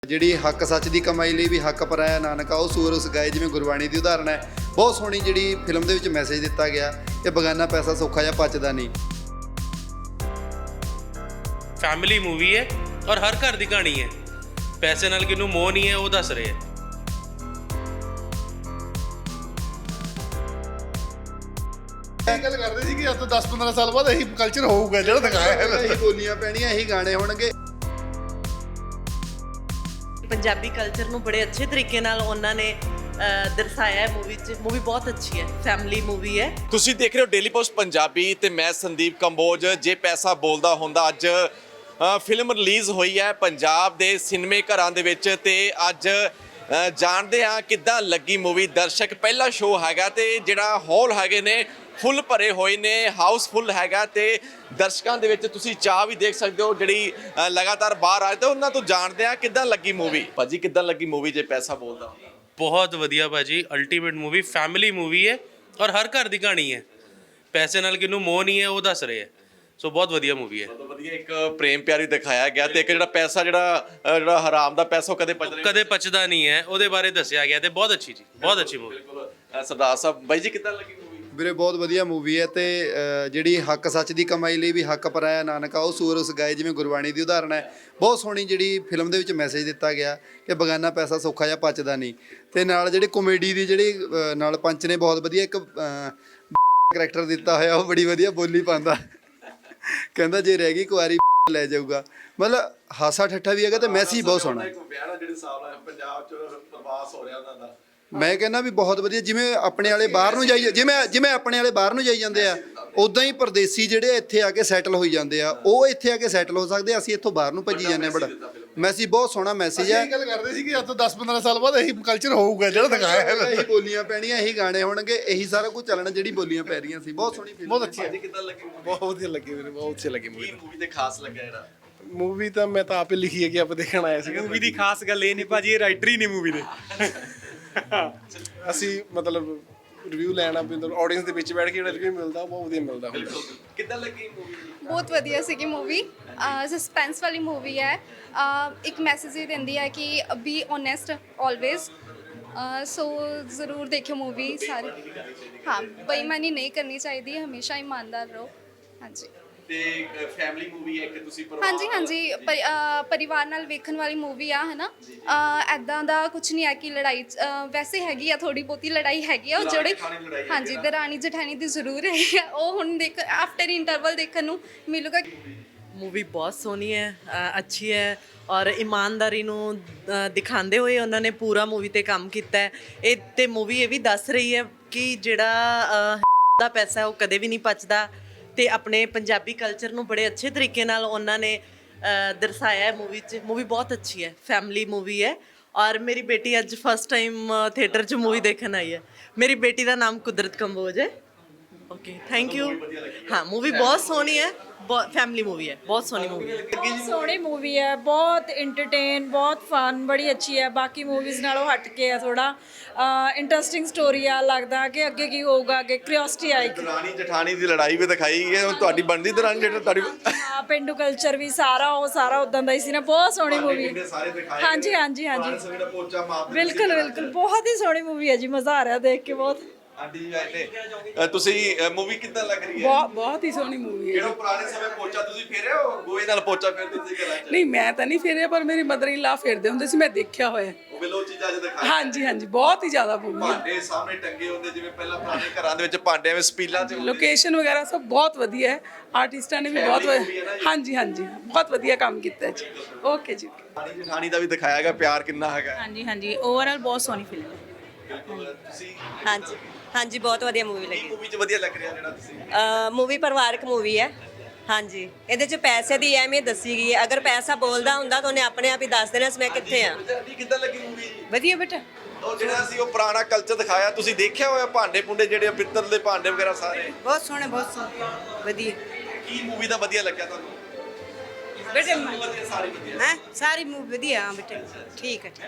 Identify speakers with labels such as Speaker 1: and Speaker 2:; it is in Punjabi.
Speaker 1: ਜਿਹੜੀ ਹੱਕ ਸੱਚ ਦੀ ਕਮਾਈ ਲਈ ਵੀ ਹੱਕ ਪਰਾਇਆ ਨਾਨਕਾ ਉਹ ਸੂਰ ਉਸ ਗਾਏ, ਜਿਵੇਂ ਗੁਰਬਾਣੀ ਦੀ ਉਦਾਹਰਣ ਹੈ। ਬਹੁਤ ਸੋਹਣੀ ਜਿਹੜੀ ਫਿਲਮ ਦੇ ਵਿੱਚ ਮੈਸੇਜ ਦਿੱਤਾ ਗਿਆ ਕਿ ਬਗਾਨਾ ਪੈਸਾ ਸੌਖਾ ਜਾਂ ਪਚਦਾ ਨਹੀਂ।
Speaker 2: ਫੈਮਿਲੀ ਮੂਵੀ ਹੈ ਔਰ ਹਰ ਘਰ ਦੀ ਕਹਾਣੀ ਹੈ। ਪੈਸੇ ਨਾਲ ਕਿਹਨੂੰ ਮੋਹ ਨਹੀਂ ਹੈ ਉਹ ਦੱਸ ਰਹੇ ਹੈ।
Speaker 3: ਇਹ ਗੱਲ ਕਰਦੇ ਸੀ ਕਿ ਅੱਜ ਤੋਂ 10-15 ਸਾਲ ਬਾਅਦ ਇਹੀ ਕਲਚਰ ਹੋਊਗਾ ਜਿਹੜਾ ਦਿਖਾਇਆ ਹੈ।
Speaker 1: ਇਹੀ ਬੋਲੀਆਂ ਪੈਣੀਆਂ, ਇਹੀ ਗਾਣੇ ਹੋਣਗੇ।
Speaker 4: ਪੰਜਾਬੀ ਕਲਚਰ ਨੂੰ ਬੜੇ ਅੱਛੇ ਤਰੀਕੇ ਨਾਲ ਉਹਨਾਂ ਨੇ ਦਰਸਾਇਆ ਹੈ ਮੂਵੀ 'ਚ। ਮੂਵੀ ਬਹੁਤ ਅੱਛੀ ਹੈ, ਫੈਮਿਲੀ ਮੂਵੀ ਹੈ।
Speaker 5: ਤੁਸੀਂ ਦੇਖ ਰਹੇ ਹੋ ਡੇਲੀ ਪੋਸਟ ਪੰਜਾਬੀ ਤੇ ਮੈਂ ਸੰਦੀਪ ਕੰਬੋਜ। ਜੇ ਪੈਸਾ ਬੋਲਦਾ ਹੁੰਦਾ, ਅੱਜ ਫਿਲਮ ਰਿਲੀਜ਼ ਹੋਈ ਹੈ ਪੰਜਾਬ ਦੇ ਸਿਨੇਮੇ ਘਰਾਂ ਦੇ ਵਿੱਚ ਤੇ ਅੱਜ ਜਾਣਦੇ ਹਾਂ ਕਿੱਦਾਂ ਲੱਗੀ ਮੂਵੀ। ਦਰਸ਼ਕ ਪਹਿਲਾ ਸ਼ੋਅ ਹੈਗਾ ਤੇ ਜਿਹੜਾ ਹਾਲ ਹੈਗੇ ਨੇ ਫੁੱਲ ਭਰੇ ਹੋਏ ਨੇ, ਹਾਊਸਫੁੱਲ ਹੈਗਾ ਤੇ ਦਰਸ਼ਕਾਂ ਦੇ ਵਿੱਚ ਤੁਸੀਂ ਚਾਹ ਵੀ ਦੇਖ ਸਕਦੇ ਹੋ ਜਿਹੜੀ ਲਗਾਤਾਰ ਬਾਹਰ ਆਏ ਤੇ ਉਹਨਾਂ ਤੋਂ ਜਾਣਦੇ ਹਾਂ ਕਿੱਦਾਂ ਲੱਗੀ ਮੂਵੀ। ਭਾਜੀ ਕਿੱਦਾਂ ਲੱਗੀ ਮੂਵੀ ਜੇ ਪੈਸਾ ਬੋਲਦਾ?
Speaker 2: ਬਹੁਤ ਵਧੀਆ ਭਾਜੀ, ਅਲਟੀਮੇਟ ਮੂਵੀ, ਫੈਮਿਲੀ ਮੂਵੀ ਹੈ ਔਰ ਹਰ ਘਰ ਦੀ ਕਹਾਣੀ ਹੈ। ਪੈਸੇ ਨਾਲ ਕਿਹਨੂੰ ਮੋਹ ਨਹੀਂ ਹੈ ਉਹ ਦੱਸ ਰਹੇ ਹੈ। ਸੋ ਬਹੁਤ ਵਧੀਆ ਮੂਵੀ ਹੈ।
Speaker 5: ਬਹੁਤ ਵਧੀਆ, ਇੱਕ ਪ੍ਰੇਮ ਪਿਆਰੀ ਦਿਖਾਇਆ ਗਿਆ ਤੇ ਇੱਕ ਜਿਹੜਾ ਪੈਸਾ ਜਿਹੜਾ ਹਰਾਮ ਦਾ ਪੈਸਾ ਉਹ ਕਦੇ
Speaker 2: ਪਚਦਾ ਨਹੀਂ ਹੈ ਉਹਦੇ ਬਾਰੇ ਦੱਸਿਆ ਗਿਆ ਤੇ ਬਹੁਤ ਅੱਛੀ ਜੀ, ਬਹੁਤ ਅੱਛੀ ਮੂਵੀ।
Speaker 5: ਸਰਦਾਰ ਸਾਹਿਬ ਬਾਈ ਜੀ ਕਿੱਦਾਂ ਲੱਗੀ ਮੂਵੀ?
Speaker 1: ਵੀਰੇ ਬਹੁਤ ਵਧੀਆ ਮੂਵੀ ਹੈ ਤੇ ਜਿਹੜੀ ਹੱਕ ਸੱਚ ਦੀ ਕਮਾਈ ਲਈ ਵੀ ਹੱਕ ਪਰਾਇਆ ਨਾਨਕਾ ਉਹ ਸੂਰ ਉਸ ਗਾਏ, ਜਿਵੇਂ ਗੁਰਬਾਣੀ ਦੀ ਉਦਾਹਰਣ ਹੈ। ਬਹੁਤ ਸੋਹਣੀ ਜਿਹੜੀ ਫਿਲਮ ਦੇ ਵਿੱਚ ਮੈਸੇਜ ਦਿੱਤਾ ਗਿਆ ਕਿ ਬਗਾਨਾ ਪੈਸਾ ਸੌਖਾ ਜਾਂ ਪਚਦਾ ਨਹੀਂ। ਤੇ ਨਾਲ ਜਿਹੜੇ ਕਾਮੇਡੀ ਦੀ ਜਿਹੜੀ ਨਾਲ ਪੰਚ ਨੇ ਬਹੁਤ ਵਧੀਆ ਇੱਕ ਕਰੈਕਟਰ ਦਿੱਤਾ ਹੋਇਆ, ਉਹ ਬੜੀ ਵਧੀਆ ਬੋਲੀ ਪਾਉਂਦਾ। ਕਹਿੰਦਾ ਜੇ ਰਹਿ ਗਈ ਕੁਆਰੀ ਲੈ ਜਾਊਗਾ। ਮਤਲਬ ਹਾਸਾ ਠੱਠਾ ਵੀ ਹੈਗਾ ਤੇ ਮੈਸੇਜ ਬਹੁਤ ਸੋਹਣਾ।
Speaker 5: ਜਿਹੜੇ ਸਾਲ ਪੰਜਾਬ ਚ ਪ੍ਰਵਾਸ ਹੋ ਰਿਹਾ ਉਹਨਾਂ ਦਾ,
Speaker 1: ਮੈਂ ਕਹਿੰਦਾ ਵੀ ਬਹੁਤ ਵਧੀਆ। ਜਿਵੇਂ ਆਪਣੇ ਵਾਲੇ ਬਾਹਰ ਨੂੰ ਜਾਈ, ਜਿਵੇਂ ਆਪਣੇ ਵਾਲੇ ਬਾਹਰ ਨੂੰ ਜਾਈ ਜਾਂਦੇ ਆ, ਉਦਾਂ ਹੀ ਪਰਦੇਸੀ ਜਿਹੜੇ ਇੱਥੇ ਆ ਕੇ ਸੈਟਲ ਹੋਈ ਜਾਂਦੇ ਆ, ਉਹ ਇੱਥੇ ਆ ਕੇ ਸੈਟਲ ਹੋ ਸਕਦੇ। ਅਸੀਂ ਇੱਥੋਂ ਬਾਹਰ ਨੂੰ ਭੱਜੀ ਜਾਂਦੇ ਆ। ਬੜਾ ਮੈਸੇਜ, ਬਹੁਤ ਸੋਹਣਾ ਮੈਸੇਜ ਹੈ।
Speaker 3: ਇਹ ਗੱਲ ਕਰਦੇ ਸੀ ਕਿ ਅੱਜ ਤੋਂ 10-15 ਸਾਲ ਬਾਅਦ ਇਹੀ ਕਲਚਰ ਹੋਊਗਾ ਜਿਹੜਾ ਦਿਖਾਇਆ ਹੈ।
Speaker 1: ਇਹੀ ਬੋਲੀਆਂ ਪੈਣੀਆਂ, ਇਹੀ ਗਾਣੇ ਹੋਣਗੇ, ਇਹੀ ਸਾਰਾ ਕੁਝ ਚੱਲਣਾ। ਜਿਹੜੀ ਬੋਲੀਆਂ ਪੈ ਰਹੀਆਂ ਸੀ, ਬਹੁਤ ਸੋਹਣੀ ਫਿਲਮ,
Speaker 3: ਬਹੁਤ ਅੱਛੀ ਹੈ।
Speaker 5: ਕਿੱਦਾਂ ਲੱਗੀ movie?
Speaker 3: ਬਹੁਤ ਵਧੀਆ ਲੱਗੀ ਮੈਨੂੰ, ਬਹੁਤ ਅੱਛੀ ਲੱਗੀ
Speaker 5: ਕੀ ਮੂਵੀ ਤੇ ਖਾਸ ਲੱਗਿਆ ਜਿਹੜਾ?
Speaker 3: ਮੂਵੀ ਤਾਂ ਮੈਂ ਤਾਂ ਆਪੇ ਲਿਖੀ ਹੈ ਕਿ ਆਪਾਂ ਦੇਖਣ ਆਏ ਸੀ।
Speaker 6: ਮੂਵੀ ਦੀ ਖਾਸ ਗੱਲ ਇਹ ਨਹੀਂ ਭਾਜੀ, ਇਹ ਰਾਈਟਰ ਹੀ ਨਹੀਂ ਮੂਵੀ ਦੇ।
Speaker 3: ਅਸੀਂ ਮਤਲਬ ਰਿਵਿਊ ਲੈਣਾ ਵੀ ਆਡੀਅנס ਦੇ ਵਿੱਚ ਬੈਠ ਕੇ ਜਿਹੜਾ ਰਿਵਿਊ ਮਿਲਦਾ ਉਹ ਬਹੁਤ ਵਧੀਆ ਮਿਲਦਾ ਹੁੰਦਾ।
Speaker 5: ਕਿੱਦਾਂ ਲੱਗੀ ਮੂਵੀ?
Speaker 7: ਬਹੁਤ ਵਧੀਆ ਸੀਗੀ ਮੂਵੀ। ਸਸਪੈਂਸ ਵਾਲੀ ਮੂਵੀ ਹੈ। ਇੱਕ ਮੈਸੇਜ ਹੀ ਦਿੰਦੀ ਹੈ ਕਿ ਬੀ ਓਨੈਸਟ ਆਲਵੇਜ਼। ਸੋ ਜ਼ਰੂਰ ਦੇਖਿਓ ਮੂਵੀ ਸਾਰੀ। ਹਾਂ, ਬੇਈਮਾਨੀ ਨਹੀਂ ਕਰਨੀ ਚਾਹੀਦੀ, ਹਮੇਸ਼ਾ ਇਮਾਨਦਾਰ ਰਹੋ। ਹਾਂਜੀ
Speaker 5: ਤੇ ਫੈਮਿਲੀ ਮੂਵੀ ਹੈ ਕਿ ਤੁਸੀਂ
Speaker 7: ਹਾਂਜੀ ਹਾਂਜੀ ਪਰਿਵਾਰ ਨਾਲ ਵੇਖਣ ਵਾਲੀ ਮੂਵੀ ਆ, ਹੈ ਨਾ। ਐਦਾਂ ਦਾ ਕੁਝ ਨਹੀਂ ਹੈ ਕਿ ਲੜਾਈ ਵੈਸੇ ਹੈਗੀ ਆ, ਥੋੜੀ ਬਹੁਤੀ ਲੜਾਈ ਹੈਗੀ ਆ। ਉਹ ਜਿਹੜੇ ਹਾਂਜੀ ਦਰਾਣੀ ਜਠਾਣੀ ਦੀ ਜ਼ਰੂਰ ਹੈਗੀ ਆ। ਉਹ ਹੁਣ ਦੇਖ ਆਫਟਰ ਇੰਟਰਵਲ ਦੇਖਣ ਨੂੰ ਮਿਲੂਗਾ।
Speaker 4: ਮੂਵੀ ਬਹੁਤ ਸੋਹਣੀ ਹੈ, ਅੱਛੀ ਹੈ ਔਰ ਇਮਾਨਦਾਰੀ ਨੂੰ ਦਿਖਾਉਂਦੇ ਹੋਏ ਉਹਨਾਂ ਨੇ ਪੂਰਾ ਮੂਵੀ ਤੇ ਕੰਮ ਕੀਤਾ ਹੈ। ਇਹ ਤੇ ਮੂਵੀ ਇਹ ਵੀ ਦੱਸ ਰਹੀ ਹੈ ਕਿ ਜਿਹੜਾ ਦਾ ਪੈਸਾ ਉਹ ਕਦੇ ਵੀ ਨਹੀਂ ਪਚਦਾ ਤੇ ਆਪਣੇ ਪੰਜਾਬੀ ਕਲਚਰ ਨੂੰ ਬੜੇ ਅੱਛੇ ਤਰੀਕੇ ਨਾਲ ਉਹਨਾਂ ਨੇ ਦਰਸਾਇਆ ਹੈ ਮੂਵੀ 'ਚ। ਮੂਵੀ ਬਹੁਤ ਅੱਛੀ ਹੈ, ਫੈਮਿਲੀ ਮੂਵੀ ਹੈ ਔਰ ਮੇਰੀ ਬੇਟੀ ਅੱਜ ਫਸਟ ਟਾਈਮ ਥੀਏਟਰ 'ਚ ਮੂਵੀ ਦੇਖਣ ਆਈ ਹੈ। ਮੇਰੀ ਬੇਟੀ ਦਾ ਨਾਮ ਕੁਦਰਤ ਕੰਬੋਜ ਹੈ। Okay, thank you. ਹਾਂ, ਮੂਵੀ ਬਹੁਤ ਸੋਹਣੀ ਹੈ, ਬਹੁਤ ਫੈਮਿਲੀ ਮੂਵੀ ਹੈ, ਬਹੁਤ ਸੋਹਣੀ ਮੂਵੀ ਹੈ।
Speaker 8: ਬਹੁਤ ਸੋਹਣੀ ਮੂਵੀ ਹੈ, ਬਹੁਤ ਇੰਟਰਟੇਨ, ਬਹੁਤ ਫਨ, ਬੜੀ ਅੱਛੀ ਹੈ। ਬਾਕੀ ਮੂਵੀਜ਼ ਨਾਲੋਂ ਹਟ ਕੇ ਆ ਥੋੜਾ ਇੰਟਰਸਟਿੰਗ ਸਟੋਰੀ ਆ। ਲੱਗਦਾ ਕਿ ਅੱਗੇ ਕੀ ਹੋਊਗਾ, ਅੱਗੇ ਕਿਉਰਿਓਸਿਟੀ ਆਏਗੀ।
Speaker 5: ਦਰਾਣੀ ਜਠਾਣੀ ਦੀ ਲੜਾਈ ਵੀ ਦਿਖਾਈ ਗਈ ਹੈ। ਹੁਣ ਤੁਹਾਡੀ ਬਣਦੀ ਦਰਾਣੀ ਜਿਹੜਾ ਤੁਹਾਡੀ
Speaker 8: ਹਾਂ, ਪਿੰਡੂ ਕਲਚਰ ਵੀ ਸਾਰਾ ਉਦਾਂ ਦਾ ਹੀ ਸੀ ਨਾ। ਬਹੁਤ ਸੋਹਣੀ ਮੂਵੀ। ਹਾਂਜੀ ਹਾਂਜੀ ਹਾਂਜੀ, ਬਿਲਕੁਲ ਬਿਲਕੁਲ, ਬਹੁਤ ਹੀ ਸੋਹਣੀ ਮੂਵੀ ਹੈ ਜੀ। ਮਜ਼ਾ ਆ ਰਿਹਾ ਦੇਖ ਕੇ ਬਹੁਤ।
Speaker 5: ਆਂਟੀ ਜੀ ਆਏ ਨੇ, ਤੁਸੀਂ ਮੂਵੀ ਕਿੱਦਾਂ ਲੱਗ ਰਹੀ ਹੈ?
Speaker 6: ਬਹੁਤ ਹੀ ਸੋਹਣੀ ਮੂਵੀ ਹੈ।
Speaker 5: ਕਿਹੜਾ ਪੁਰਾਣੇ ਸਮੇਂ ਪੋਚਾ ਤੁਸੀਂ ਫੇਰੇ ਹੋ? ਗੋਏ ਨਾਲ ਪੋਚਾ ਫੇਰਦੇ ਸੀ ਘਰਾਂ 'ਚ?
Speaker 6: ਨਹੀਂ, ਮੈਂ ਤਾਂ ਨਹੀਂ ਫੇਰਿਆ, ਪਰ ਮੇਰੀ ਮਦਰ ਇਨ ਲਾ ਫੇਰਦੇ ਹੁੰਦੇ ਸੀ, ਮੈਂ ਦੇਖਿਆ ਹੋਇਆ।
Speaker 5: ਉਹ ਬਿਲੋ ਚੀਜ਼ਾਂ ਅੱਜ ਦਿਖਾਈ।
Speaker 6: ਹਾਂਜੀ ਹਾਂਜੀ, ਬਹੁਤ ਹੀ ਜ਼ਿਆਦਾ ਮੂਵੀ ਹੈ।
Speaker 5: ਭਾਂਡੇ ਸਾਹਮਣੇ ਟੰਗੇ ਹੁੰਦੇ, ਜਿਵੇਂ ਪਹਿਲਾਂ ਪੁਰਾਣੇ ਘਰਾਂ ਦੇ ਵਿੱਚ ਭਾਂਡੇ ਐਵੇਂ ਸਪੀਲਾਂ 'ਚ ਹੁੰਦੇ।
Speaker 6: ਲੋਕੇਸ਼ਨ ਵਗੈਰਾ ਸਭ ਬਹੁਤ ਵਧੀਆ ਹੈ। ਆਰਟਿਸਟਾਂ ਨੇ ਵੀ ਬਹੁਤ ਹਾਂਜੀ ਹਾਂਜੀ ਬਹੁਤ ਵਧੀਆ ਕੰਮ ਕੀਤਾ ਜੀ। ਓਕੇ ਜੀ।
Speaker 5: ਦਰਾਣੀ ਜਠਾਣੀ ਦਾ ਵੀ ਦਿਖਾਇਆ ਗਿਆ, ਪਿਆਰ ਕਿੰਨਾ ਹੈਗਾ।
Speaker 8: ਹਾਂਜੀ ਹਾਂਜੀ, ਓਵਰਆਲ ਬਹੁਤ ਸੋਹਣੀ ਫਿਲਮ ਹੈ।
Speaker 5: ਬਿਲਕੁਲ। ਤੁਸੀਂ
Speaker 9: ਹਾਂਜੀ ਹਾਂਜੀ, ਬਹੁਤ ਵਧੀਆ ਮੂਵੀ ਲੱਗੀ।
Speaker 5: ਮੂਵੀ 'ਚ ਵਧੀਆ ਲੱਗ ਰਿਹਾ ਜਿਹੜਾ ਤੁਸੀਂ?
Speaker 9: ਮੂਵੀ ਪਰਿਵਾਰਕ ਮੂਵੀ ਹੈ। ਹਾਂਜੀ, ਇਹਦੇ 'ਚ ਪੈਸੇ ਦੀ ਅਹਿਮੀਅਤ ਦੱਸੀ ਗਈ ਹੈ। ਅਗਰ ਪੈਸਾ ਬੋਲਦਾ ਹੁੰਦਾ ਤਾਂ ਉਹਨੇ ਆਪਣੇ ਆਪ ਹੀ ਦੱਸ ਦੇਣਾ ਸੀ ਮੈਂ ਕਿੱਥੇ ਆ।
Speaker 5: ਆਂਟੀ ਕਿੱਦਾਂ ਲੱਗੀ ਮੂਵੀ?
Speaker 8: ਵਧੀਆ ਬੇਟਾ।
Speaker 5: ਉਹ ਜਿਹੜਾ ਸੀ ਉਹ ਪੁਰਾਣਾ ਕਲਚਰ ਦਿਖਾਇਆ, ਤੁਸੀਂ ਦੇਖਿਆ ਹੋਇਆ ਭਾਂਡੇ ਭੁੰਡੇ ਜਿਹੜੇ ਪਿੱਤਲ ਦੇ ਭਾਂਡੇ ਵਗੈਰਾ ਸਾਰੇ?
Speaker 9: ਬਹੁਤ ਸੋਹਣੇ, ਬਹੁਤ ਸੋਹਣੇ, ਵਧੀਆ।
Speaker 5: ਕੀ ਮੂਵੀ ਦਾ ਵਧੀਆ ਲੱਗਿਆ ਤੁਹਾਨੂੰ?
Speaker 9: ਬੇਟੇ
Speaker 5: ਵਧੀਆ, ਸਾਰੀ ਵਧੀਆ।
Speaker 9: ਹੈ ਸਾਰੀ ਮੂਵੀ ਵਧੀਆ। ਹਾਂ ਬੇਟੇ, ਠੀਕ ਹੈ।